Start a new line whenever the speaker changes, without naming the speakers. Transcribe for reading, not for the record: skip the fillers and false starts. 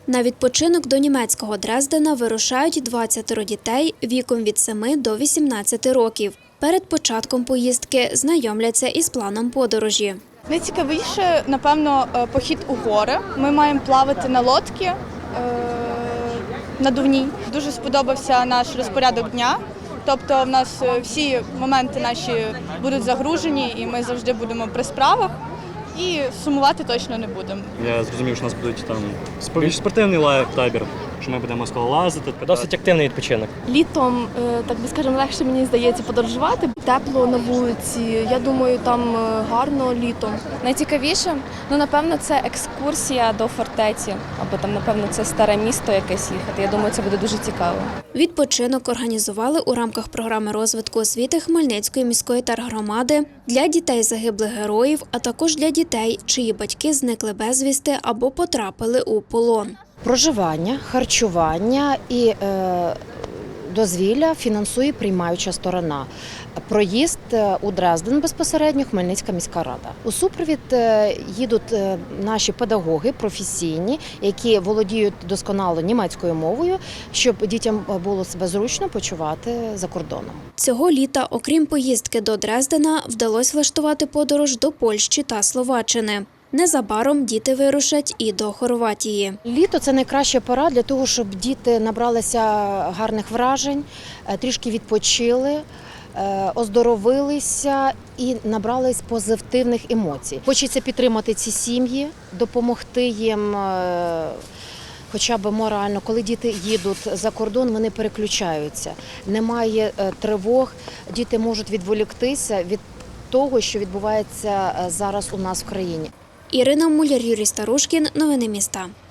На відпочинок до німецького Дрездена вирушають 20 дітей віком від 7 до 18 років. Перед початком поїздки знайомляться із планом подорожі.
Найцікавіше, напевно, похід у гори. Ми маємо плавати на лодці надувній. Дуже сподобався наш розпорядок дня. Тобто в нас всі моменти наші будуть загружені і ми завжди будемо при справах. І сумувати точно не будемо.
Я зрозумів, що у нас будуть там більш спортивний табір, що ми будемо скалолазити.
Досить активний відпочинок.
Літом, так би скажемо, легше, мені здається, подорожувати. Тепло на вулиці, я думаю, там гарно літом.
Найцікавіше, напевно, це екскурсія до фортеці, або там, напевно, це старе місто якесь їхати. Я думаю, це буде дуже цікаво.
Відпочинок організували у рамках програми розвитку освіти Хмельницької міської тергромади для дітей загиблих героїв, а також для дітей, чиї батьки зникли безвісти або потрапили у полон.
Проживання, харчування і дозвілля фінансує приймаюча сторона. Проїзд у Дрезден безпосередньо Хмельницька міська рада. У супровід їдуть наші педагоги професійні, які володіють досконало німецькою мовою, щоб дітям було себе зручно почувати за кордоном.
Цього літа, окрім поїздки до Дрездена, вдалося влаштувати подорож до Польщі та Словаччини. Незабаром діти вирушать і до Хорватії.
Літо – це найкраща пора для того, щоб діти набралися гарних вражень, трішки відпочили, оздоровилися і набрались позитивних емоцій. Хочеться підтримати ці сім'ї, допомогти їм хоча б морально. Коли діти їдуть за кордон, вони переключаються. Немає тривог, діти можуть відволіктися від того, що відбувається зараз у нас в країні.
Ірина Муляр, Юрій Старушкін. Новини міста.